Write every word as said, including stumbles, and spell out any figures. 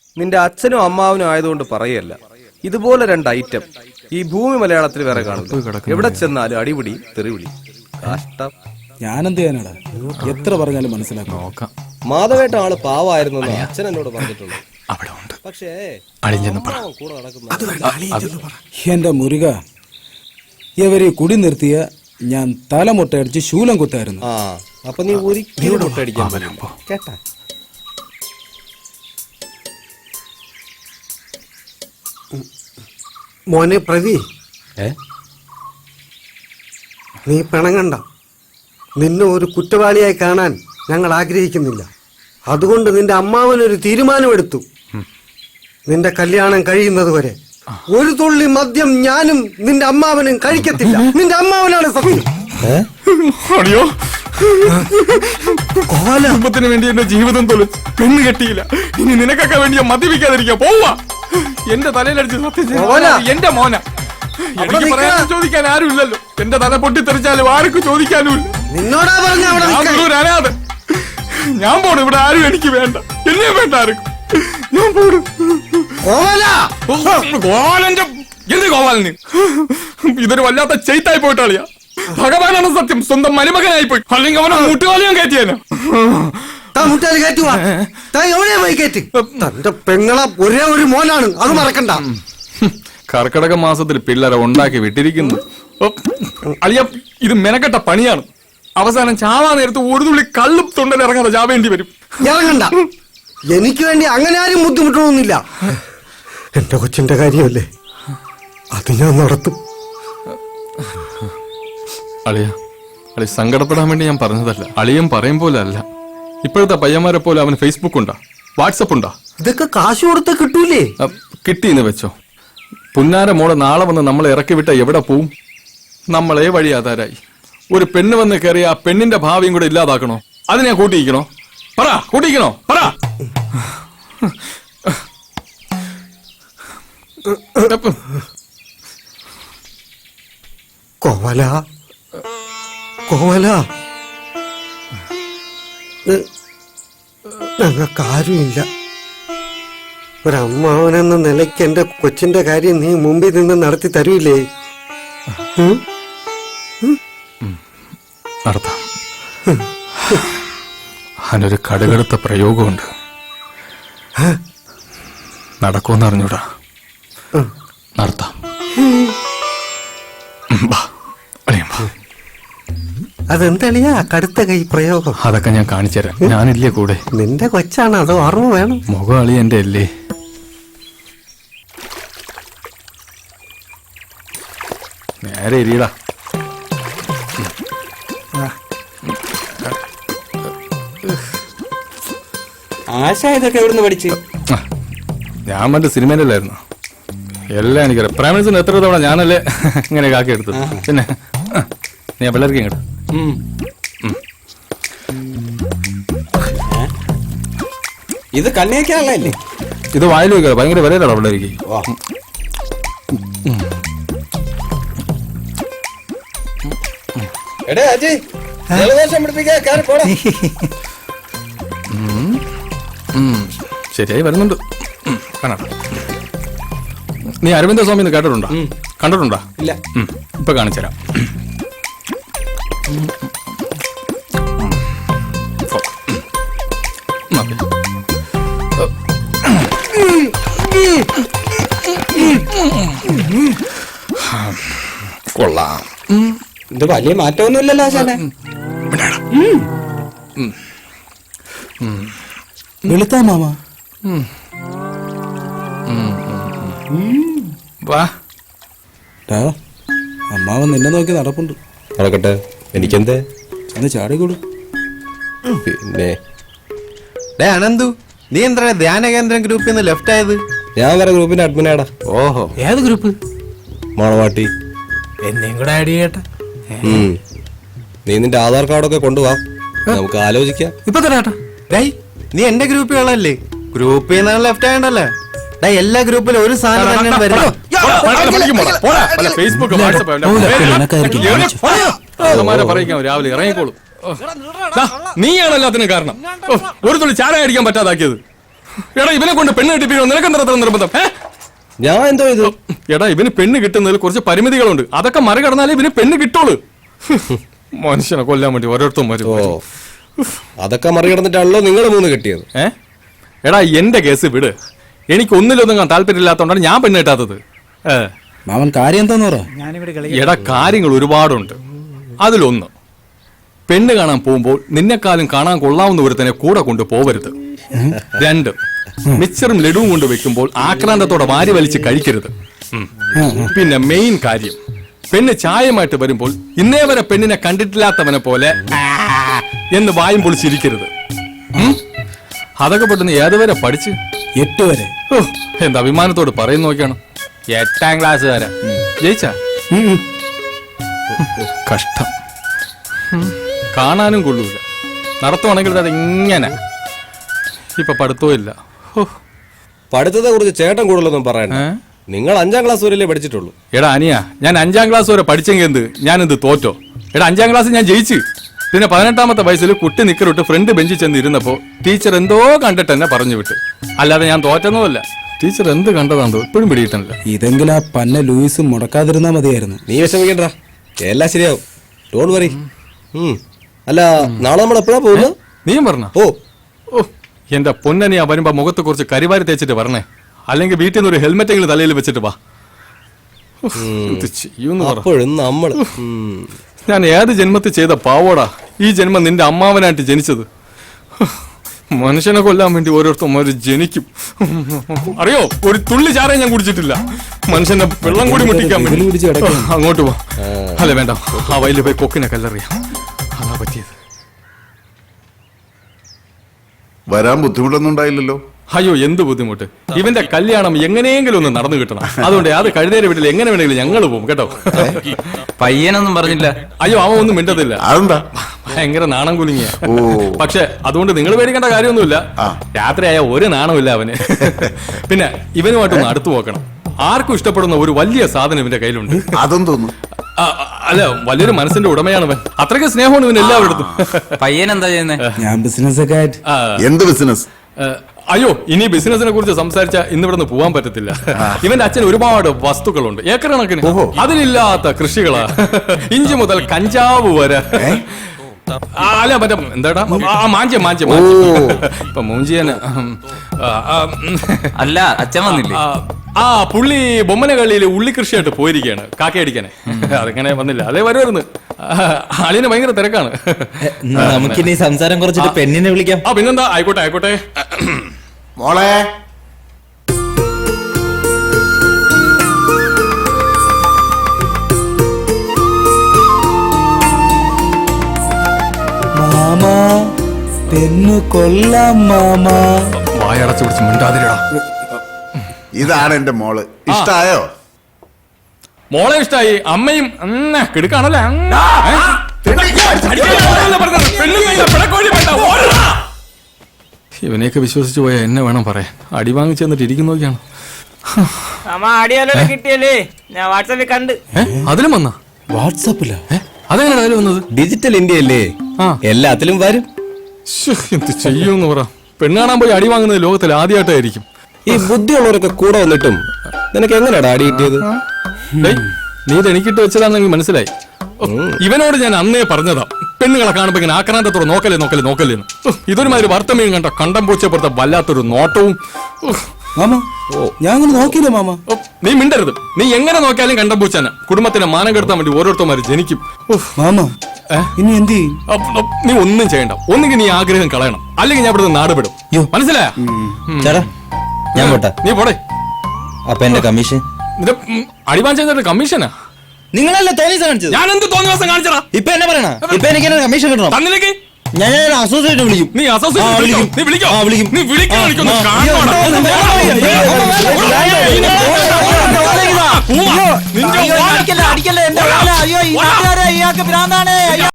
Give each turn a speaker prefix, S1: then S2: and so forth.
S1: നിന്റെ അച്ഛനും അമ്മാവനും ആയതുകൊണ്ട് പറയല്ല. ഇതുപോലെ രണ്ട് ഐറ്റം ഈ ഭൂമി മലയാളത്തിൽ വേറെ കാണില്ല. എവിടെ ചെന്നാലും അടിപിടി തെറിവിളി. കഷ്ടം.
S2: ഞാനെന്ത് ചെയ്യാനാടാ? എത്ര പറഞ്ഞാലും മനസ്സിലാക്കാം.
S3: നോക്കാം.
S1: മാധവേട്ട ആള് പാവായിരുന്നു അച്ഛൻ എന്നോട് പറഞ്ഞിട്ടുള്ളൂ.
S3: അവിടെ ഉണ്ട്.
S1: പക്ഷേ കൂടെ നടക്കുന്ന
S2: എന്റെ മുരുക, ഇവരെ കുടി നിർത്തിയ ഞാൻ തലമുട്ടയടിച്ച് ശൂലം കുത്തായിരുന്നു.
S1: ആ അപ്പൊ നീ ഒരിക്കലും മുട്ടടിക്കാൻ പറ്റില്ല കേട്ടാ.
S4: മോനെ പ്രവി, നീ പിണങ്ങണ്ട. നിന്നെ ഒരു കുറ്റവാളിയായി കാണാൻ ഞങ്ങൾ ആഗ്രഹിക്കുന്നില്ല. അതുകൊണ്ട് നിന്റെ അമ്മാവനൊരു തീരുമാനമെടുത്തു. നിന്റെ കല്യാണം കഴിയുന്നത് വരെ ഒരു തുള്ളി മദ്യം ഞാനും നിന്റെ അമ്മാവനും കഴിക്കത്തില്ല. നിന്റെ അമ്മാവനാണ് സത്യം.
S3: അയ്യോ, കുടുംബത്തിന് വേണ്ടി എന്റെ ജീവിതം തൊലിച്ച് പെണ്ണ് കെട്ടിയില്ല. ഇനി നിനക്കൊക്കെ വേണ്ടി ഞാൻ മദ്യപിക്കാതിരിക്കാ. പോവാ. എന്റെ തലയിലടിച്ച് സത്യം എന്റെ മോന. എനിക്ക് പറയാൻ ചോദിക്കാൻ ആരും ഇല്ലല്ലോ. എന്റെ തല പൊട്ടിത്തെറിച്ചാലും ആർക്കും ചോദിക്കാനും ഇല്ല.
S4: നിന്നോടാ പറഞ്ഞ
S3: അനാഥ. ഞാൻ പോണു. ഇവിടെ ആരും എനിക്ക് വേണ്ട. എന്നെ വേണ്ട ആർക്കും. ഞാൻ പോണു. ഗോപാലന്റെ എന്ത് ഗോപാലന്? ഇതൊരു വല്ലാത്ത ചെയ്ത്തായി പോയിട്ടാളിയാ. ഭഗവാനാണ് സത്യം. സ്വന്തം മരുമകനായി പോയി. അല്ലെങ്കിൽ അവനെ മുട്ടുകാലിയും കയറ്റിയാനോ?
S4: തന്റെ പെങ്ങളെ ഒരേ ഒരു മോനാണ്, അത് മറക്കണ്ട.
S3: കർക്കിടക മാസത്തിൽ പിള്ളേരെ ഉണ്ടാക്കി വിട്ടിരിക്കുന്നു. അളിയ, ഇത് മെനക്കെട്ട പണിയാണ്. അവസാനം ചാവാ നേരത്ത് ഒരു തുള്ളി കള്ളും തൊണ്ടൽ ഇറങ്ങാതെ ചാവേണ്ടി വരും.
S4: ഇറങ്ങണ്ട. എനിക്ക് വേണ്ടി അങ്ങനെ ആരും ബുദ്ധിമുട്ടണമെന്നില്ല. എന്റെ കൊച്ചിന്റെ കാര്യമല്ലേ, അത് ഞാൻ നടത്തും.
S3: അളിയ, അളി സങ്കടപ്പെടാൻ വേണ്ടി ഞാൻ പറഞ്ഞതല്ല. അളിയൻ പറയും പോലെ അല്ല. ഇപ്പോഴത്തെ പയ്യന്മാരെ പോലെ അവന് ഫേസ്ബുക്ക് ഉണ്ടാ, വാട്സപ്പ് ഉണ്ടാ.
S4: ഇതൊക്കെ കാശ് കൊടുത്ത കിട്ടൂലേ?
S3: കിട്ടിയെന്ന് വെച്ചോ. പുന്നാര മോളെ നാളെ വന്ന് നമ്മളെ ഇറക്കി വിട്ട എവിടെ പോവും? നമ്മളെ വഴി ആധാരായി. ഒരു പെണ്ണ് വന്ന് കയറിയ ആ പെണ്ണിന്റെ ഭാവിയും കൂടെ ഇല്ലാതാക്കണോ? അതിനെ കൂട്ടിയിക്കണോ? പറ, കൂട്ടിയിക്കണോ? പറ.
S4: കോവല, കോവല, ഞങ്ങൾക്കാരുമില്ല. ഒരമ്മാവനെന്ന നിലയ്ക്ക് എന്റെ കൊച്ചിന്റെ കാര്യം നീ മുമ്പിൽ നിന്ന് നടത്തി തരൂലേ?
S3: നടത്താം. അതിനൊരു കടുകടുത്ത പ്രയോഗമുണ്ട്. നടക്കുമെന്ന് അറിഞ്ഞൂടാ. നടത്താം.
S4: അതെന്തളിയാ കടുത്ത കൈ പ്രയോഗം?
S3: അതൊക്കെ ഞാൻ കാണിച്ചുതരാം. ഞാനില്ലേ കൂടെ?
S4: നിന്റെ കൊച്ചാണ്, അതോ അറിവ് വേണം?
S3: മുഖം അളി എന്റെ അല്ലേ. നേരെ ഇരിയടാ.
S1: ആശ ഇതൊക്കെ എവിടുന്ന് പഠിച്ച്?
S3: ഞാൻ മറ്റേ സിനിമയിലല്ലായിരുന്നു. എല്ലാം എനിക്കറിയാം. പ്രേമനസിന് എത്ര തവണ ഞാനല്ലേ ഇങ്ങനെ കാക്കി എടുത്തത്. പിന്നെ നീ ആ പിള്ളേർക്ക് ഇങ്ങോട്ട്.
S1: ഇത് കണ്ണിയൊക്കെയാണല്ലേ?
S3: ഇത് വായിൽ വെക്കുക. ഭയങ്കര വിലയിലാണ് പിള്ളേർക്ക്. ശരിയായി വരുന്നുണ്ട്. കാണാം. നീ അരവിന്ദ സ്വാമി കേട്ടിട്ടുണ്ടോ? കണ്ടിട്ടുണ്ടോ?
S1: ഇല്ല.
S3: ഇപ്പൊ കാണിച്ചുതരാം. കൊള്ളാം.
S1: ഇത് വലിയ മാറ്റമൊന്നുമില്ലല്ലോ ആശാനെ.
S2: വെളുത്താ മാമ.
S3: വാ.
S2: അമ്മാവൻ നിന്നെ നോക്കി നടപ്പുണ്ട്.
S1: നടക്കട്ടെ, എനിക്കെന്തേ?
S2: അന്ന് ചാടിക്കൊടു.
S1: പിന്നെ
S5: അനന്തു, നീ എന്താ ധ്യാന കേന്ദ്രം ഗ്രൂപ്പിൽ നിന്ന് ലെഫ്റ്റ് ആയത്?
S1: ഞാൻ വേറെ ഗ്രൂപ്പിന്റെ അഡ്മിനാടാ.
S5: ഓഹോ, ഏത് ഗ്രൂപ്പ്?
S1: മണവാട്ടി.
S5: എന്നെയും കൂടെ ആഡ് ചെയ്യട്ടെ.
S1: നീ നിന്റെ ആധാർ കാർഡൊക്കെ കൊണ്ടുപോവാ, നമുക്ക് ആലോചിക്കാം.
S5: ഇപ്പൊ തരാട്ടാ. ഡേയ്, നീ എന്റെ ഗ്രൂപ്പിലുള്ളല്ലേ? ഗ്രൂപ്പിൽ നിന്നാണ് ലെഫ്റ്റ് ആയണ്ടല്ലേ? ഡേ, എല്ലാ ഗ്രൂപ്പിലും ഒരു സാധനം തന്നെയാണ് വരുന്നത്.
S3: ഫേസ്ബുക്ക്, വാട്സപ്പ് രാവിലെ ഇറങ്ങിക്കോളും. നീയാണ് എല്ലാത്തിനും കാരണം. ഒരു തുള്ളി ചായ അടിക്കാൻ പറ്റാതാക്കിയത്. എടാ ഇവനെ കൊണ്ട് പെണ്ണ് കിട്ടിപ്പിക്കണോ? നിനക്ക് എന്താ അത്ര നിർബന്ധം? ഏ?
S1: ഞാൻ എന്തോ ഇത്
S3: എടാ ഇവന് പെണ്ണ് കിട്ടുന്നതിൽ കുറച്ച് പരിമിതികളുണ്ട്. അതൊക്കെ മറികടന്നാലേ ഇവന് പെണ്ണ് കിട്ടുള്ളൂ. മനുഷ്യനെ കൊല്ലാൻ വേണ്ടി ഓരോരുത്തരും വരും.
S1: ഓ അതൊക്കെ മറികടന്നിട്ടാണല്ലോ നിങ്ങൾ മൂന്ന് കെട്ടിയത്.
S3: ഏ എടാ എന്റെ കേസ് വിട്. എനിക്ക് ഒന്നിലൊന്നും താല്പര്യമില്ലാത്തതുകൊണ്ടാണ് ഞാൻ പെണ്ണ് കിട്ടാത്തത്. ഏ
S2: മാമൻ കാര്യം എന്താന്ന് പറ.
S3: എടാ കാര്യങ്ങൾ ഒരുപാടുണ്ട്. അതിലൊന്ന്, പെണ്ണ് കാണാൻ പോകുമ്പോൾ നിന്നെക്കാളും കാണാൻ കൊള്ളാവുന്ന ഒരുത്തനെ കൂടെ കൊണ്ട് പോവരുത്. രണ്ട്, മിച്ചറും ലഡുവും കൊണ്ട് വെക്കുമ്പോൾ ആക്രാന്തത്തോടെ വാരി വലിച്ച് കഴിക്കരുത്. ഉം. പിന്നെ മെയിൻ കാര്യം, പെണ്ണ് ചായമായിട്ട് വരുമ്പോൾ ഇന്നേ വരെ പെണ്ണിനെ കണ്ടിട്ടില്ലാത്തവനെ പോലെ ആ എന്ന് വായും പൊളിച്ചിരിക്കരുത്. ഉം. അതൊക്കെ പെട്ടെന്ന് ഏതുവരെ പഠിച്ച്?
S2: എട്ട് വരെ.
S3: ഓ, എന്ത് അഭിമാനത്തോട് പറയുന്ന നോക്കിയാണ്. എട്ടാം ക്ലാസ് വരെ ജയിച്ചാ? കഷ്ടം. കാണാനും കൊള്ളൂല. നടത്തുവാണെങ്കിൽ അത് ഇങ്ങനെ. ഇപ്പൊ പഠിത്തവും ഇല്ല.
S1: പഠിത്തത്തെ കുറിച്ച് ചേട്ടൻ കൂടുതലൊന്നും പറയണ്ട.
S3: ഏ?
S1: നിങ്ങൾ അഞ്ചാം ക്ലാസ് വരെയല്ലേ പഠിച്ചിട്ടുള്ളൂ.
S3: എടാ അനിയ, ഞാൻ അഞ്ചാം ക്ലാസ് വരെ പഠിച്ചെങ്കിൽ എന്ത് ഞാനെന്ത് തോറ്റോ? എടാ അഞ്ചാം ക്ലാസ് ഞാൻ ജയിച്ചു. പിന്നെ പതിനെട്ടാമത്തെ വയസ്സിൽ കുട്ടി നിക്കറിട്ട് ഫ്രണ്ട് ബെഞ്ചിൽ ചെന്ന് ഇരുന്നപ്പോ ടീച്ചർ എന്തോ കണ്ടിട്ട് എന്നെ പറഞ്ഞു വിട്ട്. അല്ലാതെ ഞാൻ തോറ്റൊന്നുമല്ല. ടീച്ചർ എന്ത് കണ്ടതാന്തോ ഇപ്പോഴും പിടിയിട്ടില്ല.
S2: ഇതെങ്കിലും ആ പന്ന ലൂയിസ് മുടക്കാതിരുന്നാ മതിയായിരുന്നു.
S1: നീ വിഷമിക്കണ്ട, എല്ലാം ശരിയാവും. Don't worry. അല്ല നാളെ നമ്മൾ എപ്പോഴാ പോകുന്നത്?
S3: നീയും പറഞ്ഞ?
S1: ഓ
S3: ഓ എന്റെ പൊന്നനിയാ വരുമ്പോ മുഖത്ത് കുറച്ച് കരിവാരി തേച്ചിട്ട് പറഞ്ഞേ. അല്ലെങ്കിൽ വീട്ടിൽ നിന്ന് ഒരു ഹെൽമെറ്റ് എങ്കിലും തലയിൽ വെച്ചിട്ട് വാ. എന്ത് ചെയ്യൂന്ന് പറ.
S1: അപ്പോഴും നമ്മള്
S3: ഞാൻ ഏത് ജന്മത്തിൽ ചെയ്ത പാവോടാ ഈ ജന്മം നിന്റെ അമ്മാവനായിട്ട് ജനിച്ചത്. മനുഷ്യനെ കൊല്ലാൻ വേണ്ടി ഓരോരുത്തർ ജനിക്കും. അറിയോ, ഒരു തുള്ളി ചാറേ ഞാൻ കുടിച്ചിട്ടില്ല. മനുഷ്യന്റെ വെള്ളം കൂടി മുട്ടിക്കാൻ വേണ്ടി. അങ്ങോട്ട് പോ. അല്ല വേണ്ട, ആ വയലിൽ പോയി കൊക്കിനെ കല്ലെറിയാം. അതാ പറ്റിയത്.
S6: വരാൻ ബുദ്ധിമുട്ടൊന്നും ഉണ്ടായില്ലല്ലോ?
S3: അയ്യോ എന്ത് ബുദ്ധിമുട്ട്. ഇവന്റെ കല്യാണം എങ്ങനെയെങ്കിലും ഒന്ന് നടന്നു കിട്ടണം. അതുകൊണ്ട് അത് കഴുതേരെ വീട്ടിൽ എങ്ങനെ വേണമെങ്കിലും ഞങ്ങൾ പോകും കേട്ടോ.
S7: പയ്യനൊന്നും പറഞ്ഞില്ല.
S3: അയ്യോ അവൻ ഒന്നും മിണ്ടത്തില്ല.
S6: അതെന്താ?
S3: ഭയങ്കര നാണം കുലുങ്ങിയ.
S6: ഓ
S3: പക്ഷെ അതുകൊണ്ട് നിങ്ങൾ പേടിക്കേണ്ട കാര്യമൊന്നുമില്ല. രാത്രിയായ ഒരു നാണമില്ല അവന്. പിന്നെ ഇവനുമായിട്ടൊന്ന് അടുത്തു നോക്കണം. ആർക്കും ഇഷ്ടപ്പെടുന്ന ഒരു വലിയ സാധനം ഇവന്റെ കയ്യിലുണ്ട്.
S6: അതും തോന്നുന്നു.
S3: അല്ല വലിയൊരു മനസ്സിന്റെ ഉടമയാണ് അവൻ. അത്രയ്ക്ക് സ്നേഹമാണ് ഇവൻ എല്ലാവരുടെ.
S7: പയ്യൻ എന്താ ചെയ്യുന്നേ?
S2: ഞാൻ ബിസിനസ് ഒക്കെ ആയിട്ട്.
S6: എന്ത് ബിസിനസ്?
S3: അയ്യോ ഇനി ബിസിനസിനെ കുറിച്ച് സംസാരിച്ചാൽ ഇന്നിവിടുന്ന് പോവാൻ പറ്റത്തില്ല. ഇവന്റെ അച്ഛൻ ഒരുപാട് വസ്തുക്കളുണ്ട്, ഏക്കർ കണക്കിന്. അതിലില്ലാത്ത കൃഷികളാ. ഇഞ്ചി മുതൽ കഞ്ചാവ് വരെ. അല്ല മറ്റേ എന്താടാ മാഞ്ച മാഞ്ച ഇപ്പൊ മൂഞ്ചിയന്.
S7: അല്ല അച്ഛൻ വന്നില്ലേ?
S3: ആ പുള്ളി ബൊമ്മന കള്ളിയിൽ ഉള്ളി കൃഷിയായിട്ട് പോയിരിക്കുകയാണ് കാക്കയടിക്കാനെ. അതിങ്ങനെ വന്നില്ല. അതേ വരുമായിരുന്നു. അളിന് ഭയങ്കര തിരക്കാണ്.
S7: നമുക്കിനി സംസാരം കുറച്ചിട്ട് പെണ്ണിനെ വിളിക്കാം.
S3: ആ പിന്നെന്താ, ആയിക്കോട്ടെ ആയിക്കോട്ടെ.
S6: മോളെ
S2: മാമാ പെണ്ണു കൊല്ലാം മാമാ.
S3: വായടച്ചു പിടിച്ച് മിണ്ടാതിരടാ.
S6: ഇതാണ് എന്റെ മോള്. ഇഷ്ടായോ?
S3: മോളെ ഇഷ്ടായി. അമ്മയും കിടക്കാണല്ലേ. ഇവനെയൊക്കെ വിശ്വസിച്ചു പോയാ എന്നെ വേണം പറയാൻ. അടി വാങ്ങിച്ചു തന്നിട്ട് ഇരിക്കുന്നു നോക്കിയാണ്.
S8: കിട്ടിയല്ലേ ഞാൻ വാട്സാപ്പിൽ കണ്ട്.
S3: അതിലും വന്നാ?
S2: വാട്സാപ്പിലാ?
S3: അതെങ്ങനെ അതിൽ വന്നത്?
S1: ഡിജിറ്റൽ ഇന്ത്യ അല്ലേ, എല്ലാത്തിലും വരും.
S3: എന്ത് ചെയ്യൂന്ന് പറ. പെണ്ണ് കാണാൻ പോയി അടി വാങ്ങുന്നത് ലോകത്തിൽ ആദ്യമായിട്ടായിരിക്കും.
S1: ഈ ബുദ്ധിയുള്ളവരൊക്കെ കൂടെ വന്നിട്ടും നിനക്ക് എങ്ങനെയാടാ അടി കിട്ടിയത്?
S3: നീ ഇത് എനിക്കിട്ട് വെച്ചതാണെങ്കിൽ മനസ്സിലായി. ഇവനോട് ഞാൻ അന്നേ പറഞ്ഞതാ പെണ്ണുങ്ങളെ കാണുമ്പോ ഇങ്ങനെ ആക്രാന്തത്തോടെ നോക്കലേ നോക്കലേ നോക്കല്ലേന്ന്. ഇതൊരുമാതിരി വാർത്തമീൻ കണ്ട കണ്ടം പൂച്ചപ്പുറത്തെ വല്ലാത്തൊരു നോട്ടവും.
S2: മാമ ഞാൻ അങ്ങനെ നോക്കിയില്ല മാമ.
S3: നീ മിണ്ടരുത്. നീ എങ്ങനെ നോക്കിയാലും കണ്ടം പൂച്ചാന. കുടുംബത്തിനെ മാനം കെടുത്താൻ വേണ്ടി ഓരോരുത്തന്മാര് ജനിക്കും.
S2: മാമ ഇനി എന്ത് ചെയ്യും?
S3: നീ ഒന്നും ചെയ്യണ്ട. ഒന്നുകിൽ നീ ആഗ്രഹം കളയണം, അല്ലെങ്കിൽ ഞാൻ ഇവിടുന്ന് നാട് വിടും. മനസ്സിലായ?
S7: ചേട്ടാ ഞാൻ പോട്ടെ.
S3: നീ പോടെ.
S7: അപ്പൊ എന്റെ കമ്മീഷൻ?
S3: അടിവാൻ ചെയ്തിട്ട് കമ്മീഷനാ?
S7: നിങ്ങളല്ലേ തോന്നിയ കാണിച്ചത്?
S3: ഞാൻ എന്ത് തോന്നിയ ദിവസം കാണിച്ചടാ?
S7: ഇപ്പൊ എന്നെ പറയണ? ഇപ്പൊ എനിക്ക് കമ്മീഷൻ കിട്ടണം.
S3: തന്നിലേക്ക്
S7: ഞാൻ അസോസിയേറ്റ് വിളിക്കും.
S3: നീ അസോസിയേറ്റ് വിളിക്കും. നീ വിളിക്കോ?
S7: വിളിക്കും.
S3: നീ വിളിക്കാൻ
S8: അടിക്കല്ലേ എന്റെ ഇയാൾക്ക് ഭ്രാന്താണ്.